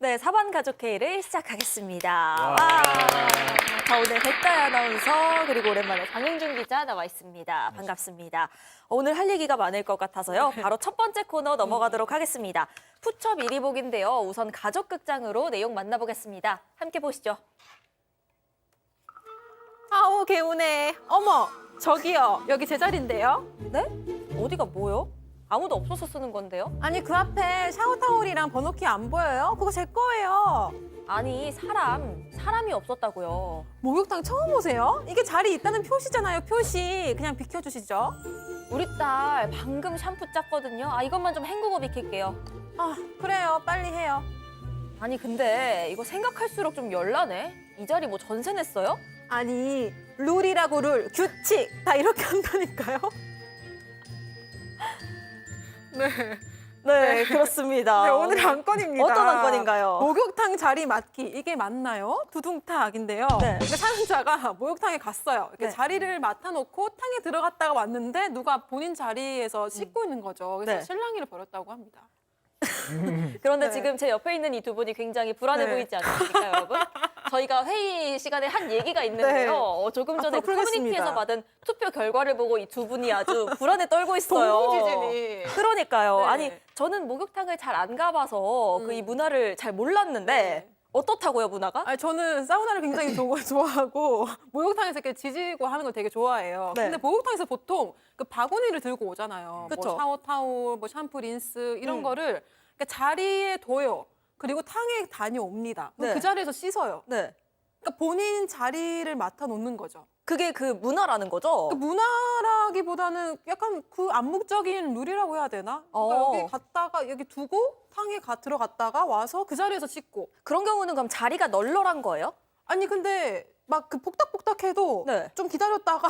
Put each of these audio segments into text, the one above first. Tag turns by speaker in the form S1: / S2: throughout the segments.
S1: 네, 사반 가족 회의를 시작하겠습니다. 와.
S2: 와.
S1: 자, 오늘 백다희 아나운서 그리고 오랜만에 장윤준 기자 나와 있습니다. 반갑습니다. 오늘 할 얘기가 많을 것 같아서요. 바로 첫 번째 코너 넘어가도록 하겠습니다. 푸처 미리 보기인데요. 우선 가족극장으로 내용 만나보겠습니다. 함께 보시죠.
S3: 아우 개운해. 어머 저기요 여기 제 자리인데요.
S1: 네? 어디가 뭐요? 아무도 없어서 쓰는 건데요?
S3: 아니 그 앞에 샤워 타월이랑 번호키 안 보여요? 그거 제 거예요.
S1: 아니, 사람이 없었다고요.
S3: 목욕탕 처음 오세요? 이게 자리 있다는 표시잖아요. 표시 그냥 비켜주시죠.
S1: 우리 딸 방금 샴푸 짰거든요. 아, 이것만 좀 헹구고 비킬게요.
S3: 아 그래요 빨리 해요.
S1: 아니, 근데 이거 생각할수록 좀 열나네. 이 자리 뭐 전세 냈어요?
S3: 아니 룰이라고 룰 규칙 다 이렇게 한다니까요.
S1: 네, 그렇습니다.
S3: 네, 오늘 안건입니다.
S1: 어떤 안건인가요?
S3: 목욕탕 자리 맡기 이게 맞나요? 두둥탁인데요.
S1: 네.
S3: 근데 사연자가 목욕탕에 갔어요. 이렇게
S1: 네.
S3: 자리를 맡아놓고 탕에 들어갔다가 왔는데 누가 본인 자리에서 씻고 있는 거죠. 그래서
S1: 네.
S3: 실랑이를 벌였다고 합니다.
S1: 그런데
S3: 네.
S1: 지금 제 옆에 있는 이 두 분이 굉장히 불안해
S3: 네.
S1: 보이지 않습니까, 여러분? 저희가 회의 시간에 한 얘기가 있는데요.
S3: 네.
S1: 조금 전에
S3: 앞으로
S1: 그 커뮤니티에서
S3: 풀겠습니다.
S1: 받은 투표 결과를 보고 이 두 분이 아주 불안에 떨고 있어요.
S3: 동공지진이.
S1: 그러니까요.
S3: 네.
S1: 아니, 저는 목욕탕을 잘 안 가봐서 그 이 문화를 잘 몰랐는데
S3: 네.
S1: 어떻다고요, 문화가?
S3: 아니, 저는 사우나를 굉장히 좋아하고 목욕탕에서 이렇게 지지고 하는 걸 되게 좋아해요.
S1: 네.
S3: 근데 목욕탕에서 보통 그 바구니를 들고 오잖아요.
S1: 그쵸.
S3: 뭐 샤워 타올, 뭐 샴푸, 린스 이런
S1: 음.
S3: 거를 그러니까 자리에 둬요. 그리고 탕에 다녀옵니다. 그럼
S1: 네.
S3: 그 자리에서 씻어요.
S1: 네.
S3: 그러니까 본인 자리를 맡아 놓는 거죠.
S1: 그게 그 문화라는 거죠?
S3: 그 문화라기보다는 약간 그 암묵적인 룰이라고 해야 되나? 그러니까
S1: 어.
S3: 여기 갔다가 여기 두고 탕에 들어갔다가 와서 그 자리에서 씻고.
S1: 그런 경우는 그럼 자리가 널널한 거예요?
S3: 아니 근데 막 그 폭닥폭닥해도
S1: 네.
S3: 좀 기다렸다가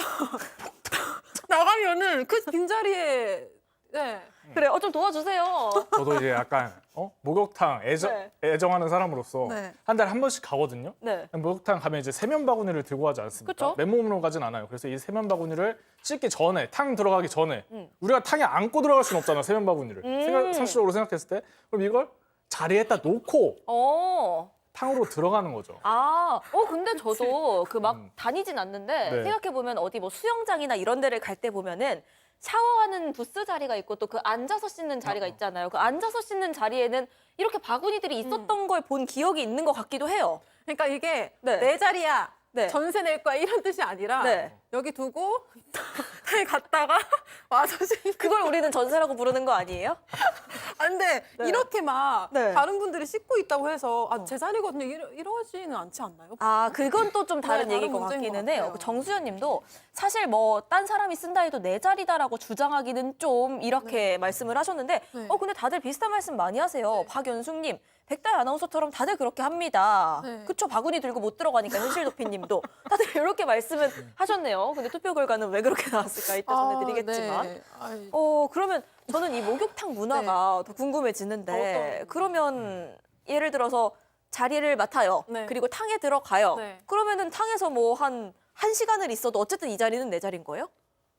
S3: 나가면은 그 빈자리에 네.
S1: 그래, 좀 도와주세요.
S2: 저도 이제 약간 목욕탕
S1: 네.
S2: 애정하는 사람으로서
S3: 네.
S2: 한 달에 한 번씩 가거든요.
S1: 네.
S2: 목욕탕 가면 이제 세면 바구니를 들고 가지 않습니까?
S1: 그쵸?
S2: 맨몸으로 가진 않아요. 그래서 이 세면 바구니를 씻기 전에, 탕 들어가기 전에 우리가 탕에 안고 들어갈 수는 없잖아, 세면 바구니를. 상식적으로 생각했을 때. 그럼 이걸 자리에다 놓고
S1: 어.
S2: 탕으로 들어가는 거죠.
S1: 근데 저도 그 막 다니진 않는데
S2: 네.
S1: 생각해보면 어디 뭐 수영장이나 이런 데를 갈 때 보면은 샤워하는 부스 자리가 있고 또 그 앉아서 씻는 자리가 있잖아요. 그 앉아서 씻는 자리에는 이렇게 바구니들이 있었던 걸 본 기억이 있는 것 같기도 해요.
S3: 그러니까 이게
S1: 네.
S3: 내 자리야.
S1: 네.
S3: 전세 낼 거야 이런 뜻이 아니라
S1: 네.
S3: 여기 두고 탕에 갔다가 와서 씻는.
S1: 그걸 우리는 전세라고 부르는 거 아니에요?
S3: 아, 근데
S1: 네.
S3: 이렇게 막
S1: 네.
S3: 다른 분들이 씻고 있다고 해서 제 자리거든요. 이러지는 않지 않나요?
S1: 그건 또 좀 다른
S3: 네,
S1: 얘기인 것
S3: 다른 문제인
S1: 같기는
S3: 것
S1: 해요.
S3: 같아요.
S1: 그 정수연 님도 사실 뭐 딴 사람이 쓴다 해도 내 자리다라고 주장하기는 좀 이렇게 말씀을 하셨는데
S3: 네.
S1: 근데 다들 비슷한 말씀 많이 하세요. 박연숙 님, 백다희 아나운서처럼 다들 그렇게 합니다.
S3: 네.
S1: 그쵸? 바구니 들고 못 들어가니까 현실 도피 님도 다들 이렇게 말씀은 하셨네요. 근데 투표 결과는 왜 그렇게 나왔을까 이따 전해드리겠지만.
S3: 네. 아이,
S1: 그러면 저는 이 목욕탕 문화가 더 궁금해지는데
S3: 어떤-
S1: 그러면 예를 들어서 자리를 맡아요.
S3: 네.
S1: 그리고 탕에 들어가요.
S3: 네.
S1: 그러면은 탕에서 뭐 한 시간을 있어도 어쨌든 이 자리는 내 자리인 거예요?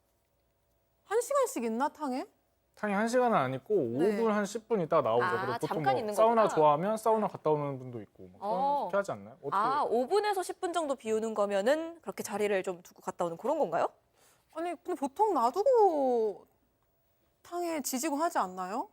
S3: 1시간씩 있나 탕에?
S2: 탕이 1시간은 안 있고
S3: 네.
S2: 5분, 한 10분 있다가 나오죠.
S1: 아,
S2: 그리고 보통
S1: 잠깐
S2: 뭐
S1: 있는
S2: 사우나
S1: 거구나.
S2: 좋아하면 사우나 갔다 오는 분도 있고
S1: 어.
S2: 그렇게 하지 않나요? 어떻게
S1: 5분에서 10분 정도 비우는 거면은 그렇게 자리를 좀 두고 갔다 오는 그런 건가요?
S3: 아니 근데 보통 놔두고 탕에 지지고 하지 않나요?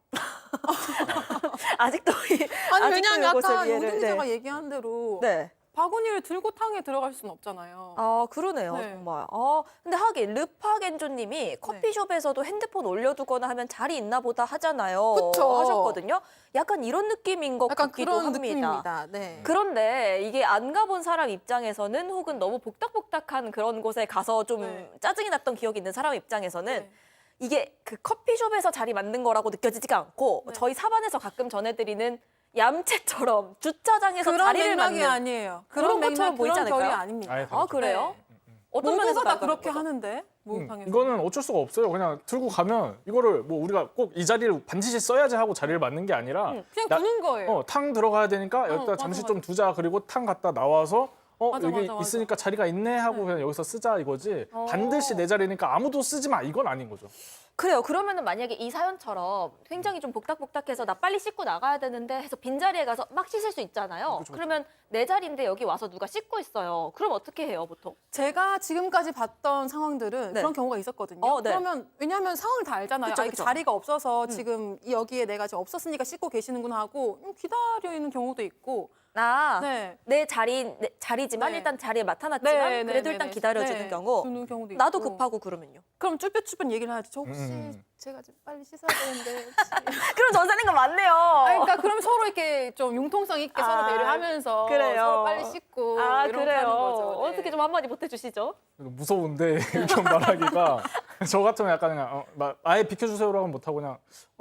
S1: 아직도
S3: 아니
S1: 아직도
S3: 왜냐면
S1: 이것을
S3: 아까
S1: 이해를-
S3: 윤 기자가
S1: 네.
S3: 얘기한 대로
S1: 네.
S3: 바구니를 들고 탕에 들어갈 수는 없잖아요.
S1: 그러네요,
S3: 네.
S1: 정말. 근데 하긴 르파겐조님이 커피숍에서도 핸드폰 올려두거나 하면 자리 있나 보다 하잖아요.
S3: 그쵸.
S1: 하셨거든요. 약간 이런 느낌인 것
S3: 약간
S1: 같기도
S3: 그런
S1: 합니다.
S3: 느낌입니다. 네.
S1: 그런데 이게 안 가본 사람 입장에서는 혹은 너무 복닥복닥한 그런 곳에 가서 좀
S3: 네.
S1: 짜증이 났던 기억이 있는 사람 입장에서는
S3: 네.
S1: 이게 그 커피숍에서 자리 맞는 거라고 느껴지지가 않고
S3: 네.
S1: 저희 사반에서 가끔 전해드리는 얌체처럼 주차장에서
S3: 그런
S1: 자리를
S3: 맥락이
S1: 맞는
S3: 아니에요.
S1: 그런 것처럼 보이지
S3: 그런 결이
S1: 않을까요?
S3: 아닙니다.
S2: 아예
S1: 아,
S2: 다르죠.
S1: 그래요?
S3: 네.
S1: 어떤 면에서
S3: 모두가 다
S1: 다르다는
S3: 그렇게
S1: 거죠?
S3: 하는데 목욕탕에서.
S2: 이거는 어쩔 수가 없어요. 그냥 들고 가면 이거를 뭐 우리가 꼭 이 자리를 반드시 써야지 하고 자리를 맞는 게 아니라
S3: 그냥
S2: 나-
S3: 두는 거예요.
S2: 탕 들어가야 되니까 여기다
S3: 맞아,
S2: 잠시
S3: 맞아.
S2: 좀 두자. 그리고 탕 갔다 나와서
S3: 맞아,
S2: 여기
S3: 맞아, 맞아.
S2: 있으니까 자리가 있네 하고 그냥 여기서 쓰자 이거지. 반드시 내 자리니까 아무도 쓰지 마 이건 아닌 거죠.
S1: 그래요. 그러면은 만약에 이 사연처럼 굉장히 좀 복닥복닥해서 나 빨리 씻고 나가야 되는데 해서 빈자리에 가서 막 씻을 수 있잖아요.
S2: 그쵸.
S1: 그러면 내 자리인데 여기 와서 누가 씻고 있어요. 그럼 어떻게 해요, 보통?
S3: 제가 지금까지 봤던 상황들은
S1: 네.
S3: 그런 경우가 있었거든요.
S1: 네.
S3: 그러면 왜냐하면 상황을 다 알잖아요.
S1: 그쵸,
S3: 아, 이게
S1: 그쵸.
S3: 자리가 없어서 지금 여기에 내가 지금 없었으니까 씻고 계시는구나 하고 기다려 있는 경우도 있고.
S1: 내
S3: 네.
S1: 자리지만
S3: 네.
S1: 일단 자리에 맡아놨지만
S3: 네, 네,
S1: 그래도
S3: 네,
S1: 일단
S3: 네.
S1: 기다려주는
S3: 네,
S1: 경우.
S3: 주는 경우도 있고.
S1: 나도 급하고 그러면요.
S3: 그럼 쭈뼛쭈뼛 얘기를 하지. 저 혹시
S2: 음.
S3: 제가 좀 빨리 씻어야 되는데.
S1: 그럼 전사는 거 맞네요.
S3: 그러니까 그럼 서로 이렇게 좀 융통성 있게
S1: 아,
S3: 서로 배려하면서
S1: 그래요.
S3: 서로 빨리 씻고
S1: 아,
S3: 이런 거
S1: 그래요.
S3: 하는 거죠. 네.
S1: 어떻게 좀 한마디 보태주시죠?
S2: 무서운데 이렇게 말하기가 저 같으면 약간 그냥 아예 비켜주세요라고 못하고 그냥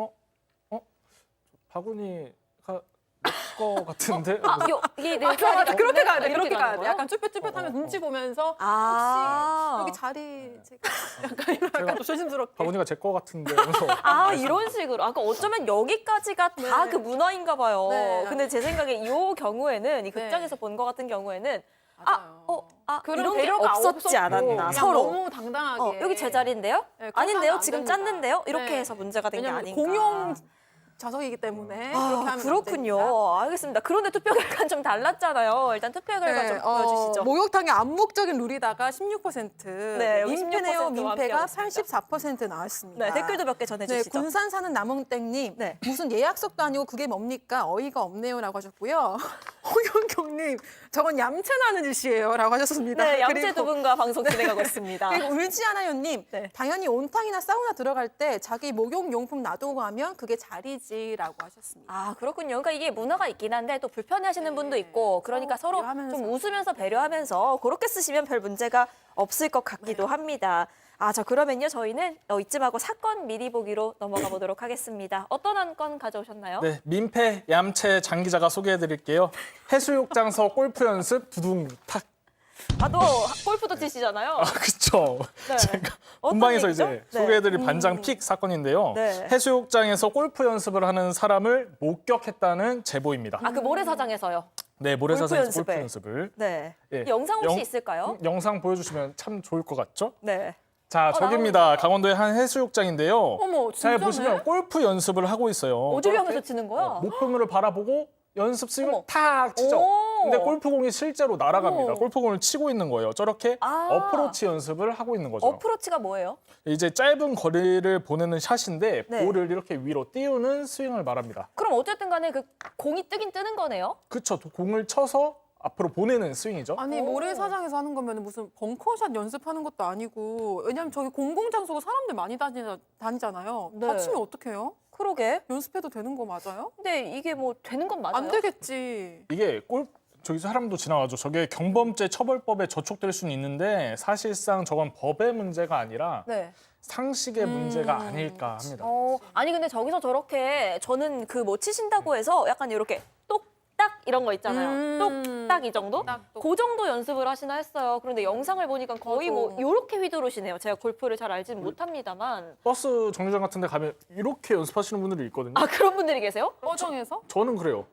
S2: 바구니가 내 거 같은데
S1: 이게 내
S3: 맞아,
S1: 자리가
S3: 맞아. 그렇게
S1: 없네?
S3: 가야 돼. 그렇게
S1: 이렇게
S3: 가야
S1: 가는
S3: 돼.
S1: 거예요?
S3: 약간 쭈뼛쭈뼛하면 눈치 보면서
S1: 아.
S3: 혹시 여기 자리 제가 약간 좀 조심스럽게.
S2: 바구니가 제 거 같은데 하면서
S1: 이런 식으로. 그러니까 어쩌면 여기까지가 다
S3: 네.
S1: 그 문화인가 봐요.
S3: 네.
S1: 근데 제 생각에 이 경우에는 이
S3: 네.
S1: 극장에서 본 것 같은 경우에는
S3: 맞아요.
S1: 이런
S3: 그런
S1: 게
S3: 배려가
S1: 없었지
S3: 없었고
S1: 않았나.
S3: 그냥
S1: 서로.
S3: 너무 당당하게.
S1: 여기 제 자리인데요?
S3: 네, 그렇게
S1: 아닌데요?
S3: 하면 안
S1: 지금
S3: 됩니다.
S1: 짰는데요? 이렇게
S3: 네.
S1: 해서 문제가 된 게
S3: 왜냐면
S1: 아닌가.
S3: 공용 좌석이기 때문에 그렇게 하면 안
S1: 그렇군요.
S3: 됩니다.
S1: 알겠습니다. 그런데 투표 결과는 좀 달랐잖아요. 일단 투표 결과 좀 보여주시죠.
S3: 목욕탕의 암묵적인 룰이다가 16%,
S1: 네, 여기
S3: 민폐네요
S1: 16% 와
S3: 민폐가
S1: 함께하고
S3: 84% 나왔습니다.
S1: 네, 댓글도 몇 개
S3: 네,
S1: 전해주시죠.
S3: 군산 사는 남홍땡님
S1: 네.
S3: 무슨 예약석도 아니고 그게 뭡니까 어이가 없네요라고 하셨고요. 홍영경님 저건 얌체나는 짓이에요라고 하셨습니다.
S1: 네, 양재
S3: 그리고-
S1: 두 분과 방송 진행하고 있습니다.
S3: 그리고 울지 않아요님
S1: 네.
S3: 당연히 온탕이나 사우나 들어갈 때 자기 목욕용품 놔두고 가면 그게 자리지라고 하셨습니다.
S1: 그렇군요. 그러니까 이게 문화가 있긴 한데 또 불편해하시는
S3: 네.
S1: 분도 있고 그러니까 서로
S3: 배려하면서.
S1: 좀 웃으면서 배려하면서 그렇게 쓰시면 별 문제가 없을 것 같기도 합니다. 그러면요 저희는 이쯤하고 사건 미리 보기로 넘어가 보도록 하겠습니다. 어떤 한 건 가져오셨나요?
S2: 네, 민폐 얌체 장 기자가 소개해드릴게요. 해수욕장서 골프 연습 두둥 탁.
S1: 또 골프도 치시잖아요.
S2: 그쵸.
S1: 네.
S2: 제가
S1: 어떤
S2: 본방에서
S1: 얘기죠?
S2: 이제
S1: 네.
S2: 소개해드릴 반장 픽 사건인데요.
S1: 네.
S2: 해수욕장에서 골프 연습을 하는 사람을 목격했다는 제보입니다.
S1: 그 모래사장에서요.
S2: 네, 모래사장에서
S1: 골프
S2: 골프 연습을.
S1: 네.
S2: 예.
S1: 영상 혹시
S2: 영-
S1: 있을까요?
S2: 영상 보여주시면 참 좋을 것 같죠?
S1: 네.
S2: 자, 저기입니다.
S1: 나옵니다.
S2: 강원도의 한 해수욕장인데요.
S3: 어머,
S2: 잘
S3: 진짜네?
S2: 보시면 골프 연습을 하고 있어요.
S1: 어디를 향해서
S2: 저렇게
S1: 치는 거야?
S2: 목표물을 바라보고 연습 스윙을
S1: 어머.
S2: 탁 치죠.
S1: 오.
S2: 근데 골프공이 실제로 날아갑니다.
S1: 어머.
S2: 골프공을 치고 있는 거예요. 저렇게 어프로치 연습을 하고 있는 거죠.
S1: 어프로치가 뭐예요?
S2: 이제 짧은 거리를 보내는 샷인데
S1: 네.
S2: 볼을 이렇게 위로 띄우는 스윙을 말합니다.
S1: 그럼 어쨌든 간에 그 공이 뜨긴 뜨는 거네요?
S2: 그쵸. 공을 쳐서 앞으로 보내는 스윙이죠.
S3: 아니
S1: 오.
S3: 모래사장에서 하는 거면 무슨 벙커샷 연습하는 것도 아니고 왜냐면 저기 공공장소고 사람들 많이 다니잖아요.
S1: 네.
S3: 다치면 어떡해요?
S1: 그러게.
S3: 연습해도 되는 거 맞아요?
S1: 근데 이게 뭐 되는 건 맞아요?
S3: 안 되겠지.
S2: 이게 저기 사람도 지나가죠. 저게 경범죄 처벌법에 저촉될 수는 있는데 사실상 저건 법의 문제가 아니라
S1: 네.
S2: 상식의 문제가 아닐까 합니다.
S1: 아니 근데 저기서 저렇게 저는 그 뭐 치신다고 해서 약간 이렇게 똑딱 이런 거 있잖아요. 똑딱 이 정도?
S3: 똑딱.
S1: 그 정도 연습을 하시나 했어요. 그런데 영상을 보니까 거의 뭐
S3: 맞아.
S1: 이렇게 휘두르시네요. 제가 골프를 잘 알지는 못합니다만.
S2: 버스 정류장 같은 데 가면 이렇게 연습하시는 분들이 있거든요.
S1: 그런 분들이 계세요?
S3: 꺼정에서?
S2: 저는 그래요.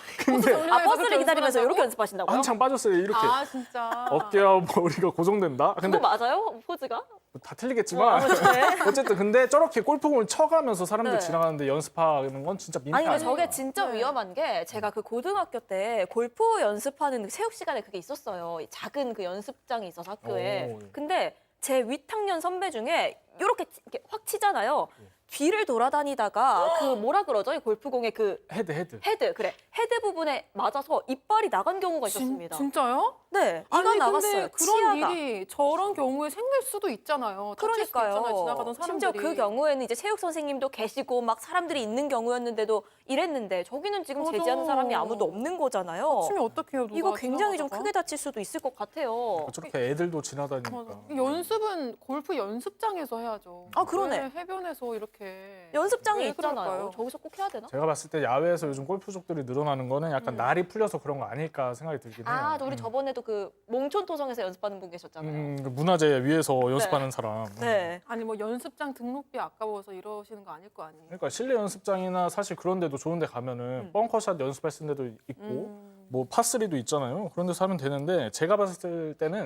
S2: 근데
S1: 버스를 기다리면서 이렇게 연습하신다고요?
S2: 한창 빠졌어요. 이렇게.
S3: 아 진짜.
S2: 어깨와 머리가 고정된다. 근데
S1: 그거 맞아요? 포즈가?
S2: 다 틀리겠지만 어쨌든 근데 저렇게 골프공을 쳐가면서 사람들
S1: 네.
S2: 지나가는데 연습하는 건 진짜 민폐
S1: 아니 근데
S2: 아니에요.
S1: 저게 진짜
S3: 네.
S1: 위험한 게 제가 그 고등학교 때 골프 연습하는 체육 시간에 그게 있었어요. 이 작은 그 연습장이 있어서 학교에.
S2: 오.
S1: 근데 제 윗학년 선배 중에 이렇게 확 치잖아요. 뒤를 돌아다니다가 그 뭐라 그러죠? 이 골프공의 그
S2: 헤드.
S1: 헤드 헤드 부분에 맞아서 이빨이 나간 경우가 있었습니다.
S3: 진짜요?
S1: 네, 이가
S3: 아니
S1: 나갔어요.
S3: 근데 그런
S1: 치아가.
S3: 일이 저런 경우에 생길 수도 있잖아요. 다칠 수도
S1: 그러니까요.
S3: 있잖아요. 지나가던 사람들이.
S1: 심지어 그 경우에는 이제 체육 선생님도 계시고 막 사람들이 있는 경우였는데도 이랬는데 저기는 지금
S3: 맞아.
S1: 제지하는 사람이 아무도 없는 거잖아요.
S3: 다치면 어떡해요? 누가
S1: 이거 굉장히 좀
S3: 지나가다가?
S1: 크게 다칠 수도 있을 것 같아요.
S2: 저렇게 애들도 지나다니니까.
S3: 맞아. 연습은 골프 연습장에서 해야죠.
S1: 그러네.
S3: 왜 해변에서 이렇게
S1: 연습장이
S3: 왜
S1: 있잖아요.
S3: 그럴까요?
S1: 저기서 꼭 해야 되나?
S2: 제가 봤을 때 야외에서 요즘 골프족들이 늘어나는 거는 약간 날이 풀려서 그런 거 아닐까 생각이 들긴 해요.
S1: 우리 저번에도 그 몽촌토성에서 연습하는 분 계셨잖아요.
S2: 그 문화재 위에서 연습하는 사람.
S1: 네.
S3: 아니 뭐 연습장 등록비 아까워서 이러시는 거 아닐 거 아니에요.
S2: 그러니까 실내 연습장이나 사실 그런 데도 좋은 데 가면은 벙커샷 연습할 수 있는 데도 있고 뭐 파3도 있잖아요. 그런 데서 하면 되는데 제가 봤을 때는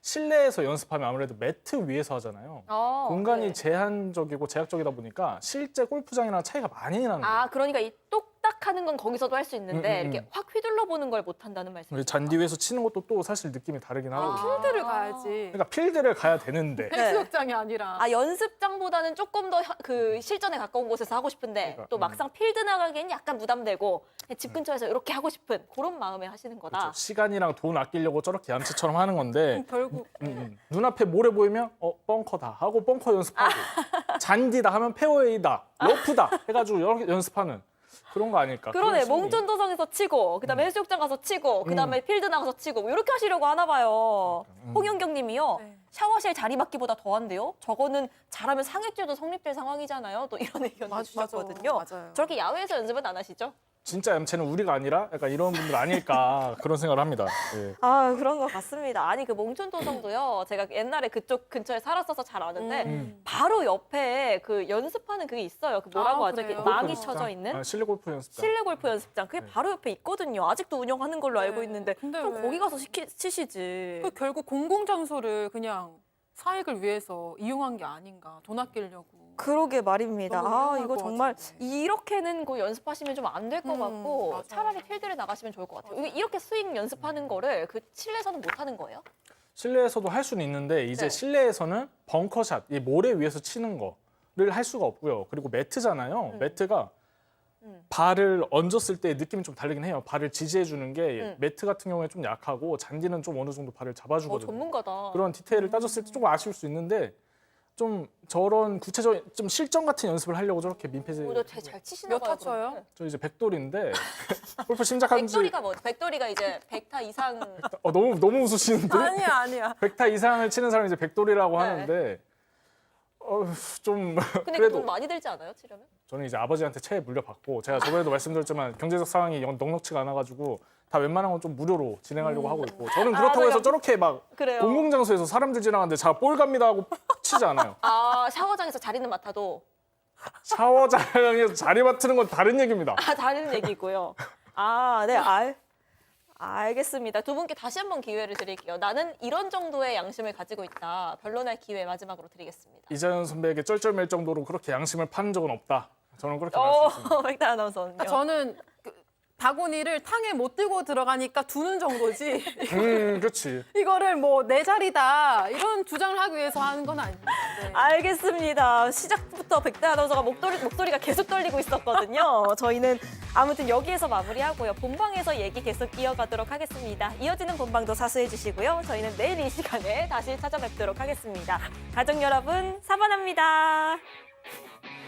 S2: 실내에서 연습하면 아무래도 매트 위에서 하잖아요. 공간이
S1: 네.
S2: 제한적이고 제약적이다 보니까 실제 골프장이랑 차이가 많이 나는 거예요.
S1: 아, 그러니까 이 똑딱하는 건 거기서도 할 수 있는데
S2: 음.
S1: 이렇게 확 휘둘러 보는 걸 못 한다는 말씀이죠.
S2: 잔디 위에서 치는 것도 또 사실 느낌이 다르긴 하거든요.
S3: 필드를 가야지.
S2: 그러니까 필드를 가야 되는데
S1: 네.
S3: 해수욕장이 아니라.
S1: 아, 연습장보다는 조금 더 그 실전에 가까운 곳에서 하고 싶은데
S2: 그러니까,
S1: 또 막상 필드 나가기엔 약간 부담되고 집 근처에서 이렇게 하고 싶은 그런 마음에 하시는 거다.
S2: 그렇죠. 시간이랑 돈 아끼려고 저렇게 얌체처럼 하는 건데
S3: 결국
S2: 눈앞에 모래 보이면 벙커다 하고 벙커 연습하고 잔디다 하면 페어웨이다 러프다 해가지고 여러 개 연습하는 그런 거 아닐까.
S1: 그러네.
S2: 그런 심리.
S1: 몽촌도성에서 치고 그다음에 해수욕장 가서 치고 그다음에 필드 나가서 치고 뭐 이렇게 하시려고 하나 봐요. 홍영경 님이요.
S3: 네.
S1: 샤워실 자리 맡기보다 더한데요. 저거는 잘하면 상해죄도 성립될 상황이잖아요. 또 이런 의견을 주셨거든요.
S3: 맞아요.
S1: 저렇게 야외에서 연습은 안 하시죠?
S2: 진짜 얌체는 우리가 아니라 약간 이런 분들 아닐까 그런 생각을 합니다. 예.
S1: 아, 그런 것 같습니다. 아니, 그 몽촌도성도요. 제가 옛날에 그쪽 근처에 살았어서 잘 아는데 바로 옆에 그 연습하는 그게 있어요. 그 뭐라고
S3: 아,
S1: 하죠? 이렇게
S3: 그래요?
S1: 망이
S2: 연습장?
S1: 쳐져 있는
S2: 실내 골프 연습장.
S1: 실내 골프 연습장. 그게 바로 옆에 있거든요. 아직도 운영하는 걸로 알고
S3: 네.
S1: 있는데
S3: 근데
S1: 좀
S3: 왜?
S1: 거기 가서 치시지.
S3: 그 결국 공공장소를 그냥 사익을 위해서 이용한 게 아닌가. 돈 아끼려고.
S1: 그러게 말입니다.
S3: 너무
S1: 아,
S3: 위험할
S1: 이거
S3: 것
S1: 정말
S3: 같은데.
S1: 이렇게는 그 연습하시면 좀 안 될 것 같고
S3: 맞아요.
S1: 차라리 필드를 나가시면 좋을 것 같아요. 이렇게 스윙 연습하는 거를 그 실내에서는 못 하는 거예요?
S2: 실내에서도 할 수는 있는데 이제
S1: 네.
S2: 실내에서는 벙커샷, 이 모래 위에서 치는 거를 할 수가 없고요. 그리고 매트잖아요. 매트가 발을 얹었을 때 느낌이 좀 다르긴 해요. 발을 지지해 주는 게 매트 같은 경우에 좀 약하고 잔디는 좀 어느 정도 발을 잡아주거든요.
S1: 전문가다.
S2: 그런 디테일을 따졌을 때 조금 아쉬울 수 있는데 좀 저런 구체적인 좀 실전 같은 연습을 하려고 저렇게 민폐지.
S1: 잘 치시나
S3: 몇
S1: 봐요.
S3: 타 쳐요?
S1: 그러면.
S2: 저 이제 백돌인데 골프 시작한 지
S1: 백돌이가 뭐죠? 백돌이가 이제 100타 이상.
S2: 너무 웃으시는데
S3: 아니야.
S2: 100타 이상을 치는 사람이 이제 백돌이라고
S1: 네.
S2: 하는데 좀
S1: 근데
S2: 그래도
S1: 돈 많이 들지 않아요? 치려면?
S2: 저는 이제 아버지한테 채 물려받고 제가 저번에도 말씀드렸지만 경제적 상황이 넉넉치가 않아가지고 다 웬만한 건 좀 무료로 진행하려고 하고 있고 저는 그렇다고 해서 저렇게 막
S1: 그래요.
S2: 공공장소에서 사람들 지나가는데 자 볼 갑니다 하고 치지 않아요.
S1: 아, 샤워장에서 자리는 맡아도
S2: 샤워장에서 자리 맡는 건 다른 얘기입니다.
S1: 다른 얘기고요. 아, 네, 알겠습니다. 두 분께 다시 한번 기회를 드릴게요. 나는 이런 정도의 양심을 가지고 있다. 변론할 기회 마지막으로 드리겠습니다.
S2: 이자연 선배에게 쩔쩔맬 정도로 그렇게 양심을 파는 적은 없다. 저는 그렇게 말할 수 있습니다.
S1: 백다 아나운서는요.
S3: 저는 그 바구니를 탕에 못 들고 들어가니까 두는 정도지.
S2: 그렇지.
S3: 이거를 뭐 내 자리다 이런 주장을 하기 위해서 하는 건 아닌데.
S1: 알겠습니다. 시작부터 백다 아나운서가 목소리가 계속 떨리고 있었거든요. 저희는 아무튼 여기에서 마무리하고요. 본방에서 얘기 계속 이어가도록 하겠습니다. 이어지는 본방도 사수해 주시고요. 저희는 내일 이 시간에 다시 찾아뵙도록 하겠습니다. 가족 여러분, 사반합니다.